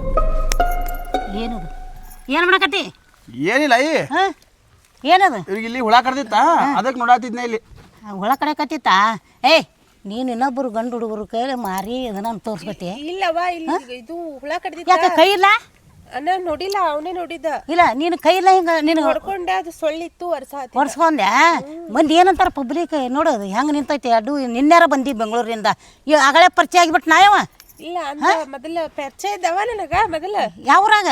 ಏನದು ಏನು ಮಾಡಕತ್ತಿ?
ಏನಿಲ್ಲ ಅಯ್ಯ
ಹಾಂ ಏನದು?
ಇವ್ರಿಗೆ ಇಲ್ಲಿ ಹುಳ ಕಡ್ದಿತ್ತ ಅದಕ್ಕೆ ನೋಡಾತಿದ್ನ ಇಲ್ಲಿ.
ಹುಳ ಕಡೆ ಕತ್ತಿತ್ತಾ? ಏಯ್ ನೀನು ಇನ್ನೊಬ್ಬರು ಗಂಡು ಹುಡುಗರು ಕೈಲಿ ಮಾರಿ ಅದನ್ನ ತೋರಿಸ್ಕೊತಿ.
ಇಲ್ಲವಾ ಇಲ್ಲಿ ಇದು ಹುಳ ಕಡ್ದಿತ್ತ.
ಯಾಕೆ ಕೈ ಇಲ್ಲ?
ಅಣ್ಣ ನೋಡಿಲ್ಲ ಅವನೇ ನೋಡಿದ್ದ.
ಇಲ್ಲ ನೀನು ಕೈ ಇಲ್ಲ ಹಿಂಗೆ ನೀನು
ಹೊಡ್ಕೊಂಡೆ ಅದು ಸೊಳ್ಳಿತ್ತು ವರ್ಷ
ಒರ್ಸ್ಕೊಂಡೆ. ಮಂದಿ ಏನಂತಾರ ಪಬ್ಲಿಕ್ ನೋಡೋದು ಹೆಂಗೆ ನಿಂತೈತಿ ಅಡ್ಡು. ನಿನ್ನೆರ ಬಂದಿ ಬೆಂಗಳೂರಿಂದ ಈಗ ಆಗಲೇ ಪರಿಚಯ ಆಗಿಬಿಟ್ಟು ನಾಯವ.
ಇಲ್ಲ ಅಂದ್ರೆ ಮೊದಲ ಪರಿಚಯ ಇದ್ದವ ನನಗ ಮೊದಲ.
ಯಾವ್ರಾಗ?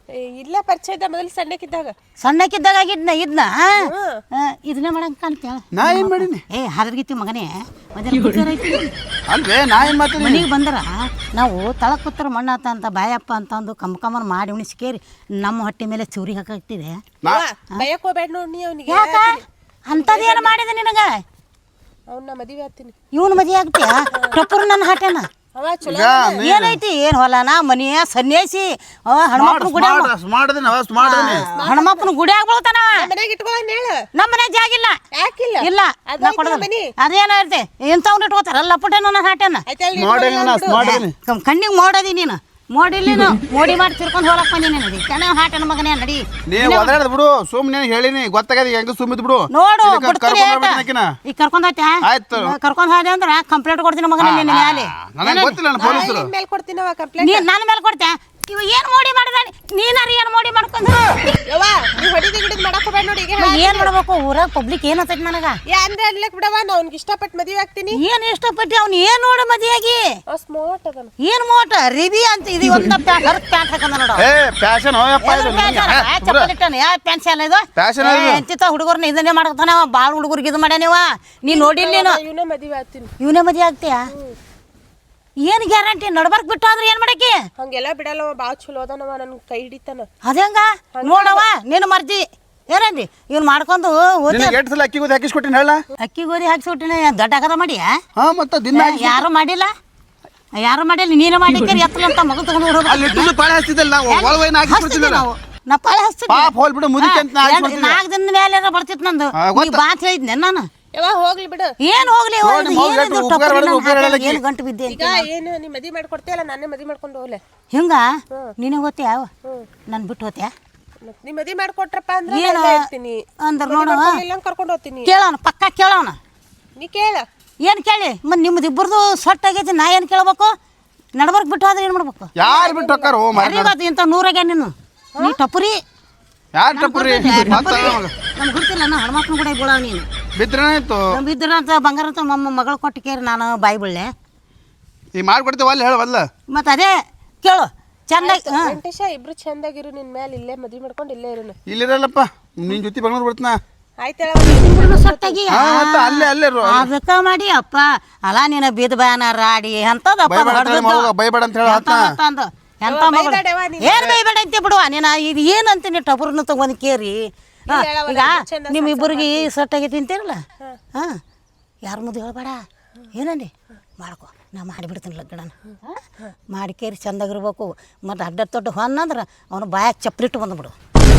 ಏ, ಇಲ್ಲ ಪರಿಚಯ ಇದ್ದ ಮೊದಲು ಸಣ್ಣಕ್ಕಿದ್ದಾಗ.
ಸಣ್ಣಕ್ಕಿದ್ದಾಗ ಆಗಿದ್ನ ಇದನ್ನ ಇದನ್ನೇ ಮಾಡಂಗ್ ಕಾಣ್ತೇವ.
ನಾ ಏನು ಮಾಡೀನಿ?
ಏ ಹದರ್ಗಿತ್ತಿ ಮಗನೇ ಐತಿ
ಅಲ್ವೇ ನಾ ಏನು ಮಾತಾಡಿ
ಮನೆಗೆ ಬಂದ್ರ ನಾವು ತಳಕ್ ಕೂತ್ರ ಮಣ್ಣಾತ ಅಂತ ಬಾಯಪ್ಪ ಅಂತಂದು ಕಮ್ ಕಮ್ಮನ್ ಮಾಡಿ ಉಣಿಸ್ಕೇರಿ ನಮ್ಮ ಹೊಟ್ಟೆ ಮೇಲೆ ಚೂರಿ ಹಾಕಾಗ್ತಿದೆ.
ಭಯಕ್ ಹೋಗ್ಬೇಡ ನೋಡಿ ನೀ ಅವನಿಗೆ.
ಯಾಕ ಅಂಥದ್ದೇನು ಮಾಡಿದೆ ನಿನಗ?
ಅವ್ನ ಮದುವೆ ಆಗ್ತೀನಿ.
ಇವನು ಮದುವೆ ಆಗ್ತೀಯ? ಟೊಪ್ಪರು ನನ್ನ ಹಾಟೇನ
ಅವ ಚಲೋ
ಏನೈತಿ? ಏನ್ ಹೊಲನ ಮನೆಯ ಸನ್ಯಾಸಿ ಹನುಮಪ್ಪನ ಗುಡಿ
ಮಾಡಿದೀನಿ ಅವಸ್ ಮಾಡಿದೀನಿ
ಹನುಮಪ್ಪನ ಗುಡಿ ಆಗ್ಬಿಡ್ತಾನ.
ಮನ್ಯಾಗ ಇಟ್ಕೊಳ್ಳೋಣ ಹೇಳ.
ನಮ್ಮ ಮನೆ ಜಾಗಿಲ್ಲ.
ಯಾಕಿಲ್ಲ?
ಇಲ್ಲ
ಅದ್
ನಾ
ಐತಿ
ಕೊಡೋದಿಲ್ಲ.
ಮನಿ.
ಅದೇನೋ ಇರ್ತೆ ಇಂಥವ್ನ ಇಟ್ಕೋತಾರಲ್ಲ ಪುಟ್ಟೆ ನನ್ನ ಹಾಟೇನ
ಮಾಡಿದೀನಿ
ಕಣ್ಣಿಗೆ ಮೋಡದಿ ನೀನು ಮೋಡಿಲ್ಲ ನೀನು ಮೋಡಿ ಮಾಡಿ ತಿರ್ಕೊಂಡು ಹೋಗಕ್ ಬಂದಿ ನೀನು ಕಣ ಹಾಟನ ಮಗನೇ ನಡಿ.
ನೀ ಒದರಾಡ ಬಿಡು ಸುಮ್ಮನೆ ಹೇಳಿನಿ ಗೊತ್ತಾಗದ ಹೆಂಗ ಸುಮ್ಮಿದ್ ಬಿಡು.
ನೋಡು
ಕರ್ಕೊಂಡ್
ಈಗ ಕರ್ಕೊಂಡ್ ಹೋಯ್ತಾ?
ಆಯ್ತು
ಕರ್ಕೊಂಡ್ ಹೋದೆ ಅಂದ್ರೆ ಕಂಪ್ಲೇಂಟ್ ಕೊಡ್ತೀನಿ ಮಗನೇ ನಿನ್ನ ಮೇಲೆ.
ನನಗೆ ಗೊತ್ತಿಲ್ಲ ನಾನು ಪೊಲೀಸರು
ಮೇಲೆ ಕೊಡ್ತೀನವ ಕಂಪ್ಲೇಂಟ್.
ನೀನ್ ನನ್ನ ಮೇಲೆ ಕೊಡ್ತೆ. ಇವ ಏನ್ ಮೋಡಿ ಮಾಡಿದ? ನೀನಾರ ಏನ್ ಮೋಡಿ ಮಾಡ್ಕೊಂಡು
ಯವ್ವ ನೀ ಹೊಡಿದು ಗಿಡಿದ್ ಮಾಡಕ್ ಹೋಗ್ಬೇಡ ನೋಡಿ. ಈಗ
ಏನ್ ಮಾಡ್ಬೇಕು? ಊರಾಗ ಪಬ್ಲಿಕ್ ಏನ್ ಹತ್ತೈತಿ ನನಗ?
ಯಾ ಅಂದ್ರೆ ಅನ್ಲಕ್ ಬಿಡವ ನಾ ಅವ್ನಿಗೆ ಇಷ್ಟಪಟ್ಟು ಮದುವೆ ಆಗ್ತೀನಿ.
ಏನ್ ಇಷ್ಟಪಟ್ಟಿ ಅವ್ನು ಏನ್ ನೋಡ ಮದಿಯಾಗಿ
ಸ್ಮಾರ್ಟ್ ಅದನ.
ಏನ್ ಮೋಟ ರಿಬಿ ಅಂತ ಇದು ಒಂದ ಪ್ಯಾಂಟ್ ಹರತ್ ಪ್ಯಾಂಟ್ ಹಾಕಂದ ನೋಡ.
ಏ ಫ್ಯಾಷನ್ ಹೋಯಪ್ಪ ಇದು
ಚಪ್ಪಲಿಟ್ಟನ ಯಾ ಪ್ಯಾಂಟ್ ಶಾಲ ಇದು
ಫ್ಯಾಷನ್ ಇದು
ಎಂತಿತ್ತ ಹುಡುಗರ್ನ ಇದನ್ನೇ ಮಾಡತಾನ. ಬಾಳ ಹುಡುಗರಿಗೆ ಇದು ಮಾಡ್ಯಾನಿವ. ನೀ ನೋಡಿಲ್ಲ ನೀನು
ಇವನ ಮದುವೆ ಆಗ್ತೀನಿ.
ಇವನೇ ಮದಿ ಆಗ್ತೀಯ? ಏನ್ ಗ್ಯಾರಂಟಿ? ನಡ್ಬರ್ಕ್ ಬಿಟ್ಟು ಅಂದ್ರೆ ಏನ್ ಮಾಡಕ್ಕೆ?
ಹಂಗೆಲ್ಲ ಬಿಡಲ್ಲವ ಬಾಳ ಚಲೋ ಅದನವ ನನ್ ಕೈ ಹಿಡಿತಾನ.
ಅದಂಗ ನೋಡವ ನಿನ್ನ ಮರ್ಜಿ ಏನಂದಿ ಇವ್ನು ಮಾಡ್ಕೊಂಡು
ನಿನಗೆ ಎಷ್ಟು ಸಲ ಅಕ್ಕಿ ಗೋಧಿ ಹಾಕಿಸ್ಕೊಟ್ಟಿನಿ ಹೇಳ?
ಅಕ್ಕಿ ಗೋಧಿ ಹಾಕ್ಸಿಬಿಟ್ಟಿನ ದೊಡ್ಡ ಆಗದ ಮಾಡಿ
ಹಾ ಮತ್ತೆ ದಿನ
ಯಾರು ಮಾಡಿಲ್ಲ ಯಾರು ಮಾಡಿಲ್ಲ ನೀನು ಮಾಡಿದ್ದೀರಿ ಎತ್ತಲ ಅಂತ ಮಗು ತಗೊಂಡು ಹೋಗ್ಬೇಕು.
ಅಲ್ಲಿ ಇಟ್ಟು ಪಾಳೆ ಹಚ್ತಿದ್ದಲ್ಲ ಒಳವೈನ ಹಾಕಿಸ್ಬಿಡ್ತಿದ್ದೆ
ನಾವು ನಾ ಪಾಳೆ ಹಚ್ತಿದ್ದೆ.
ಪಾಪ ಹೋಲ್ ಬಿಡು ಮುದಿಕೆ ಅಂತ ಹಾಕಿಸ್ಬಿಡ್ತಿದ್ದೆ.
ನಾಲ್ಕು ದಿನದ ಮೇಲೆ ಬರ್ತಿತ್ತು ನಂದು. ನೀ ಬಾತ್ ಹೇಳಿದ್ನೆ ನಾನು.
ಯವ್ವ ಹೋಗ್ಲಿ ಬಿಡು.
ಏನ್ ಹೋಗ್ಲಿ ಏನು ಗಂಟು ಬಿದ್ದೆ
ಈಗ ಏನು ನೀ ಮದುವೆ ಮಾಡ್ಕೊಡ್ತೀಯಲ್ಲ ನಾನೇ ಮದುವೆ ಮಾಡ್ಕೊಂಡು ಹೋಗ್ಲೆ.
ಹಿಂಗ ನೀನೇ ಹೋಗ್ತೀಯ? ಯಾವ ನನ್ ಬಿಟ್ಟು ಹೋಗ್ತೀಯ?
ಮತ್ ನೀ ಮದುವೆ ಮಾಡ್ಕೊಟ್ರಪ್ಪ ಅಂದ್ರೆ
ಏನು
ನಾನು ಇರ್ತೀನಿ.
ಅಂದ್ರೆ ನೋಡು
ಇಲ್ಲ ಕರ್ಕೊಂಡು ಹೋಗ್ತೀನಿ.
ಕೇಳೋಣ ಪಕ್ಕ ಕೇಳೋಣ.
ನೀ ಕೇಳ.
ಏನು ಕೇಳಿ ಮತ್ತೆ ನಿಮ್ದು ಇಬ್ಬರದು ಸೊಟ್ಟ ಆಗೈತಿ. ನಾ ಏನು ಕೇಳ್ಬೇಕು? ನಡ್ಬರ್ಕ್ ಬಿಟ್ಟು ಹೋದ್ರೆ ಏನು ಮಾಡ್ಬೇಕು?
ಯಾರು ಬಿಟ್ಟು ಹೋಗ್ತಾರ? ಓ ಮಾರಿ
ಇವತ್ತು ಇಂಥ ನೂರಾಗ ನೀನು ನೀ ಟಪುರಿ
ಯಾರು ಟಪ್ಪುರಿ
ನಮ್ಗೆ ಗೊತ್ತಿಲ್ಲ. ನಾ ಹನುಮಪ್ಪನ ಕೂಡ ಬೀಳ ನೀನು
ಬಿದ್ರೇನಾಯ್ತು?
ಬಿದ್ರ ಅಂತ ಬಂಗಾರ ಅಂತ ಮಮ್ಮ ಮಗಳು ಕೊಟ್ಟು ಕೇರಿ ನಾನು ಬಾಯಿ ಬಿಡ್ಲೆ
ಈ ಮಾಡ್ಕೊಡ್ತೇವೆ ಅಲ್ಲಿ ಹೇಳವಲ್ಲ.
ಮತ್ತೆ ಅದೇ ಕೇಳು ಚಂದಾಗಿ.
ವೆಂಕಟೇಶ ಇಬ್ರು ಚಂದಾಗಿರು. ನಿನ್ ಮೇಲೆ ಇಲ್ಲೇ ಮದುವೆ ಮಾಡ್ಕೊಂಡು ಇಲ್ಲೇ ಇರೋನು.
ಇಲ್ಲಿರಲ್ಲಪ್ಪ ನಿನ್ ಜೊತೆ ಬೆಂಗಳೂರು ಬಿಡ್ತನ
ಆಯ್ತೇಳ.
ಸೊಟ್ಟಾಗಿ
ಅಲ್ಲೇ ಅಲ್ಲೇ
ಅದಕ್ಕ ಮಾಡಿ ಅಪ್ಪ ಅಲ್ಲ ನೀನು ಬೀದ ಬಾಯನ ರಾಡಿ ಅಂತದಪ್ಪ
ಬೈಬೇಡ ಅಂತ ಹೇಳ
ಅಂದು ಎಂತ ಮಗಳು ಏನ್ ಬೈಬೇಡ ಅಂತ ಬಿಡುವ ನೀನು. ಇದು ಏನಂತೀನಿ ಟಬರ್ನು ತಗೊಂಡ್ ಕೇರಿ. ಈಗ ನಿಮ್ಮ ಇಬ್ಬರಿಗೆ ಸೊಟ್ಟಾಗಿ ತಿಂತೀರಲ್ಲ ಹಾ ಯಾರ ಮುಂದೆ ಹೇಳ್ಬೇಡ ಏನಂದಿ ಮಾಡ್ಕೊ. ನಾ ಮಾಡಿಬಿಡ್ತೀನಿ ಲಗ್ಗಡನ ಮಾಡಿ ಕೇರಿ ಚಂದಾಗಿರ್ಬೇಕು. ಮತ್ತು ಅಡ್ಡ ತೊಟ್ಟು ಹೊನ್ನಂದ್ರೆ ಅವನು ಬಾಯಾಗ ಚಪ್ಪಲಿಟ್ಟು ಬಂದ್ಬಿಡು.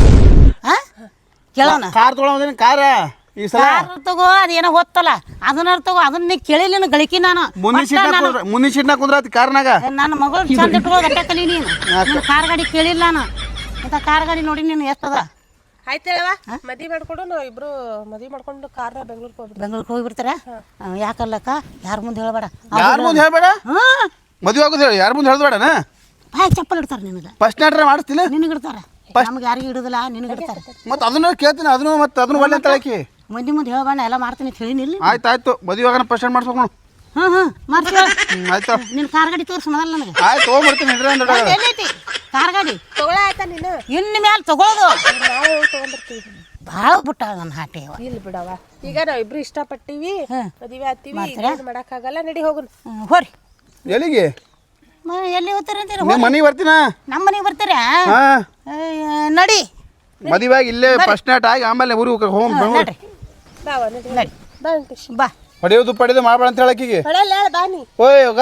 ಹಾಂ ಕೇಳೋಣ.
ಕಾರ್ ತೊಗೊಳೋದೇನು ಕಾರ ಈ ಸಲ
ತಗೋ ಅದೇನೋ ಹೊತ್ತಲ್ಲ ಅದನ್ನ ತಗೋ. ಅದನ್ನ ಕೇಳಿಲ್ಲ ಗಳಿಕೆ ನಾನು
ಮುಂದಿನ ಸೀಟ್ನಾಗ ಮುಂದಿನ ಸೀಟ್ನಾಗ ಕುಂದ್ರಾತಿ ಕಾರ್ನಾಗ.
ನನ್ನ ಮಗಳು ಚಂದ ಇಟ್ಕೊಳ್ಳೋದು ಅಟ್ಟ ಕಲಿ ನೀನು. ನೀನು ಕಾರ್ ಗಾಡಿ ಕೇಳಿಲ್ಲ ನಾನು. ಇಂಥ ಕಾರ್ ಗಾಡಿ ನೋಡಿ ನೀನು ಎಷ್ಟದ?
ಆಯ್ತೇಳವ ಮದುವೆ ಮಾಡ್ಕೊಡು. ನಾವು ಇಬ್ರು ಮದುವೆ ಮಾಡ್ಕೊಂಡು ಕಾರ್ನ ಬೆಂಗ್ಳೂರ್ಗೆ ಹೋಗ್ಬಿಡ್ತೀವಿ.
ಬೆಂಗ್ಳೂರ್ಗೆ ಹೋಗಿಬಿಡ್ತಾರ? ಯಾಕಲ್ಲಕ್ಕ ಯಾರ ಮುಂದೆ ಹೇಳ್ಬೇಡ.
ಯಾರ ಮುಂದೆ ಹೇಳ್ಬೇಡ.
ಹಾಂ
ಮದುವೆ ಆಗೋದು ಹೇಳಿ ಯಾರ ಮುಂದೆ ಹೇಳ್ಬೇಡನ.
ಬಾಯ್ ಚಪ್ಪಲ್ ಇಡ್ತಾರೆ ನಿನಗೆ.
ಫಸ್ಟ್ ನಾಟ್ರೆ ಮಾಡಿಸ್ತಿಲ್ಲ
ನಿನಗೆ ಇಡ್ತಾರೆ. ನಮ್ಗೆ ಯಾರಿಗೂ ಇಡುದಿಲ್ಲ ನಿನಗೆ ಇಡ್ತಾರೆ.
ಮತ್ತೆ ಅದನ್ನ ಕೇಳ್ತೀನಿ ಅದನ್ನು ಮತ್ತೆ ಅದನ್ನು ಒಳ್ಳೆ ಅಂತ ಹೇಳಕ್ಕೆ
ಮಂದಿ ಮುಂದೆ ಹೇಳ್ಬೇಡ ಎಲ್ಲ ಮಾಡ್ತೀನಿ ಅಂತ ಹೇಳಿನಿಲ್ಲ.
ಆಯ್ತು ಆಯ್ತು ಮದುವೆ ಆಗೋಣ ಫಸ್ಟ್ ಸ್ಟಾರ್ಟ್ ಮಾಡ್ಸ್ಬೇಕು.
ಹಾಂ ಹಾಂ ಮಾಡ್ತೀವಿ.
ಆಯ್ತು
ನಿನ್ನ ಕಾರ್ ಗಾಡಿ ತೋರಿಸು ಮೊದಲು ನನಗೆ.
ಆಯ್ತು ತೊಗೊಂಡ್ಬಿಡ್ತೀನಿ ಇಡ್ರಿ ಅಂದ್ರೆ
ಎಲ್ಲೈತಿ ಕಾರ್ ಗಾಡಿ?
ತಗೊಳ ಆಯ್ತಾ ನೀನು?
ಇನ್ನು ಮೇಲೆ ತಗೊಳ್ಳೋದು
ನಾವು ತಗೊಂಡಿರ್ತೀವಿ.
ಭಾಳ ಬಿಟ್ಟ ನನ್ನ ಹಾಟೆ.
ಇಲ್ಲಿ ಬಿಡವ ಈಗ ನಾವ್ ಇಬ್ರು ಇಷ್ಟಪಟ್ಟಿವಿ ಮದುವೆ ಆಗ್ತೀವಿ. ಮಾಡಕ್ಕಾಗಲ್ಲ ನಡಿ ಹೋಗುನ್.
ಹೋರಿ
ಎಲ್ಲಿಗೆ?
ಎಲ್ಲಿ ಹೋಗ್ತಾರೆ ಅಂತೀರ?
ನಿಮ್ಮ ಮನೆಗೆ ಬರ್ತೀನ.
ನಮ್ಮ ಮನೆಗೆ ಬರ್ತೀರಾ?
ಹಾಂ
ನಡಿ.
ಮದುವೆ ಆಗಿ ಇಲ್ಲೇ ಫಸ್ಟ್ ನೈಟ್ ಆಗಿ ಆಮೇಲೆ ಊರಿಗೆ ಹೋಗಿ
ನಡ್ರಿ
ಬಾವ ನಡಿ
ನಡಿ
ಬಾ ವೆಂಕಟೇಶ್
ಬಾ.
ಹೊಡೆಯೋದು ಪಡೆಯೋದು ಮಾಡ್ಬೇಡ ಅಂತ ಹೇಳಕ್ಕಿಗೆ.
ಹೊಡೆಯಲ್ಲ ಹೇಳ ಬಾನಿ.
ಓಯ್ ಹೋಗ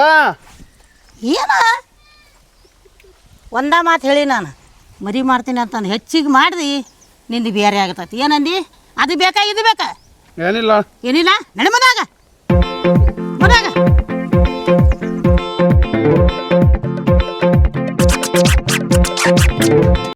ಏನ ಒಂದ ಮಾತು ಹೇಳಿ ನಾನು ಮರಿ ಮಾಡ್ತೀನಿ ಅಂತಂದು ಹೆಚ್ಚಿಗೆ ಮಾಡಿದಿ ನಿಂದು ಬೇರೆ ಆಗತೈತಿ. ಏನಂದಿ? ಅದು ಬೇಕಾ ಇದು ಬೇಕಾ?
ಏನಿಲ್ಲ
ಏನಿಲ್ಲ ನಡಿ ಮದಾಗ ಮದಾಗ